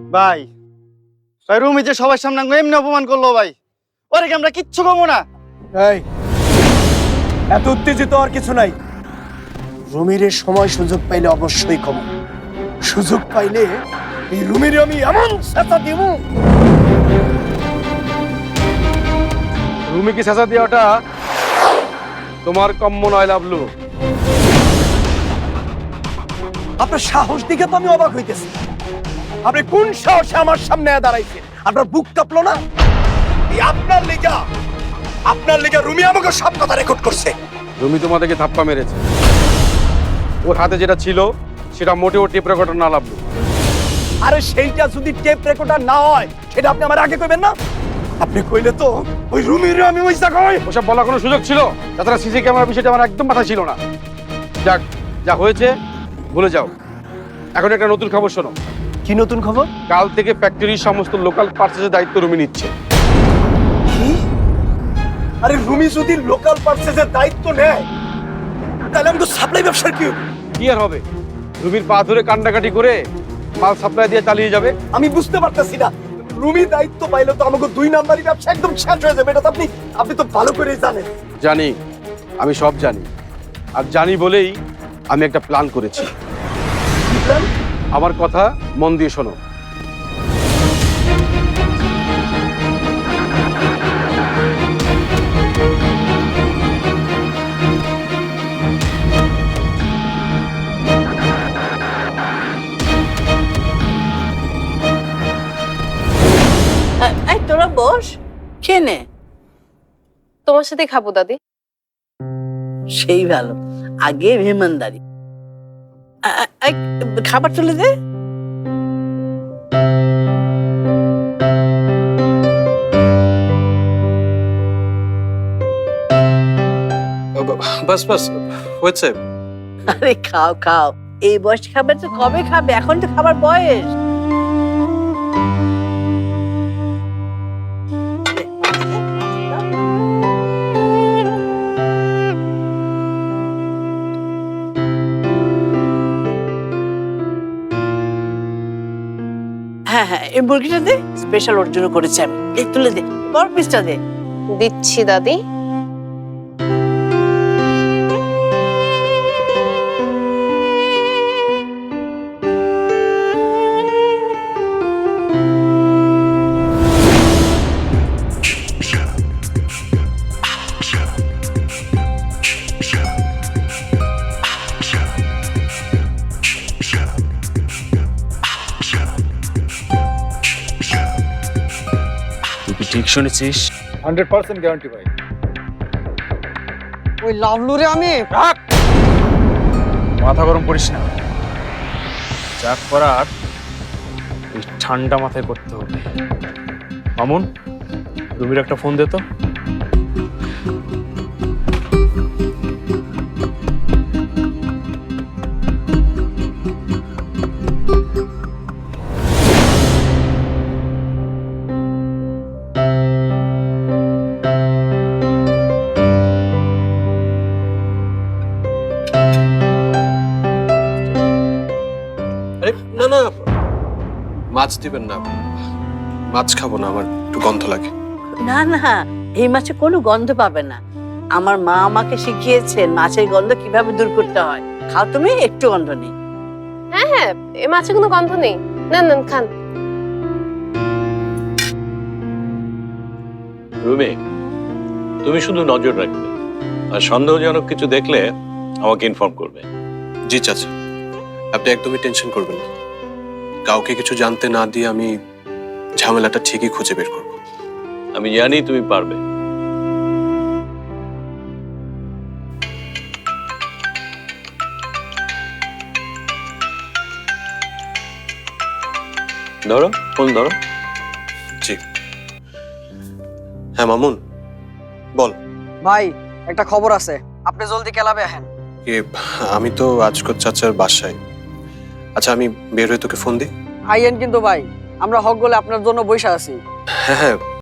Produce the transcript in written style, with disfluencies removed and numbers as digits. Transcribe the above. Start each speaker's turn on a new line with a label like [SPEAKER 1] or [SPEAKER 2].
[SPEAKER 1] ভাই ভাই রুমি যে সবার সামনে এমনি অপমান করলো ভাই, ওরে কি আমরা কিচ্ছু কমো না?
[SPEAKER 2] এই এত উত্তেজিত আর কিছু নাই। রুমিরের সময় সুযোগ পাইলে অবশ্যই কম, সুযোগ পাইলে এই রুমির আমি এমন ছাতা দিব।
[SPEAKER 3] রুমিকে চেঁচা দেওয়াটা তোমার কম্য নয় লাভলু।
[SPEAKER 2] আপনার সাহস দিকে তো আমি অবাক হইতেছি। আপনি কোন সাহসে আমার সামনে দাঁড়াইছেন? আপনার বুক কাঁপলো না? এই আপনার লেগা রুমি আমাকে সব কথা রেকর্ড করছে।
[SPEAKER 3] রুমি তোমাদেরকে ধাপ্পা মেরেছে। ওর হাতে যেটা ছিল সেটা মোটেও টেপ রেকর্ডার না লাভলু।
[SPEAKER 2] আরে সেইটা যদি টেপ রেকর্ডার না হয় সেটা আপনি আমার আগে কইবেন না? আপনি কইলে তো ওই রুমির আমি ওই জায়গায়
[SPEAKER 3] ওসব বলার কোনো সুযোগ ছিল? তাছাড়া সিসি ক্যামেরার বিষয়টা আমার একদম মাথায় ছিল না। যাক, যা হয়েছে ভুলে যাও। এখন একটা নতুন খবর শোনো।
[SPEAKER 2] কি নতুন খবর?
[SPEAKER 3] কাল থেকে ফ্যাক্টরির সমস্ত লোকাল পার্চেসের দায়িত্ব রুমি নিচ্ছে।
[SPEAKER 2] কি? আরে রুমি যদি লোকাল পার্চেসের দায়িত্ব নেয় তাহলে আমি তো সাপ্লাই ব্যবসার কি হবে?
[SPEAKER 3] কি আর হবে? রুমির পা ধরে কান্ডাকাটি করে মাল সাপ্লাই দিয়ে চালিয়ে যাবে।
[SPEAKER 2] আমি বুঝতে পারতেছি না। রুমি দায়িত্ব পাইলে তো আমাকে 2 নাম্বারই ব্যবসা একদম শেষ হয়ে যাবে। এটা তো আপনি তো ভালো করেই জানেন।
[SPEAKER 3] জানি, আমি সব জানি। আর জানি বলেই আমি একটা প্ল্যান করেছি।
[SPEAKER 2] কি প্ল্যান?
[SPEAKER 3] আমার কথা মন দিয়ে শোনো।
[SPEAKER 4] এই তোরা বস, খেয়ে নে।
[SPEAKER 5] তোমার সাথে খাবো দাদি।
[SPEAKER 4] সেই ভালো, আগে মেহমানদারি। এই, খাবার তুলে দে।
[SPEAKER 6] বাস বাস হয়েছে।
[SPEAKER 4] আরে খাও খাও, এই বয়স খাবার তো কবে খাবে? এখন তো খাবার বয়স। হ্যাঁ হ্যাঁ, এই মুরগিটা দে, স্পেশাল ওর জন্য করেছি আমি। এই তুলে দে, বড় পিসটা দে।
[SPEAKER 5] দিচ্ছি দাদি।
[SPEAKER 6] তুই কি ঠিক শুনেছিস?
[SPEAKER 1] 100% গ্যারান্টি ভাই।
[SPEAKER 7] ওই লাভলুরে আমি
[SPEAKER 6] মাথা গরম করিস না। যা করার ওই ঠান্ডা মাথায় করতে হবে। মামুন, রুমির একটা ফোন দে তো।
[SPEAKER 8] না না, মাছ দিবেন না। মাছ খাবো না, আমার একটু গন্ধ লাগে।
[SPEAKER 4] না না, এই মাছে কোনো গন্ধ পাবে না। আমার মা আমাকে শিখিয়েছেন মাছের গন্ধ কিভাবে দূর করতে হয়। খাও তুমি, একটু গন্ধ নেই।
[SPEAKER 5] হ্যাঁ হ্যাঁ, এ মাছে কোনো গন্ধ নেই। নেন নেন, খান।
[SPEAKER 9] রুমি, তুমি শুধু নজর রাখবে, আর সন্দেহজনক কিছু দেখলে আমাকে ইনফর্ম করবে।
[SPEAKER 8] জি চাচা, আপনি একদমই টেনশন করবেন না। কাউকে কিছু জানতে না দিয়ে আমি ঝামেলাটা ঠিকই খুঁজে বের করব।
[SPEAKER 9] আমি জানি তুমি পারবে। ধরো ফোন ধরো।
[SPEAKER 8] জি হ্যাঁ মামুন, বল।
[SPEAKER 7] ভাই একটা খবর আছে, আপনি জলদি ক্লাবে আসেন।
[SPEAKER 8] আমি তো আজকর চাচার বাসায়। আচ্ছা, আমি বের হয়ে তোকে ফোন দিই।
[SPEAKER 7] আইয়েন কিন্তু ভাই, আমরা হক গলে আপনার জন্য বসে আছি।
[SPEAKER 8] হ্যাঁ হ্যাঁ,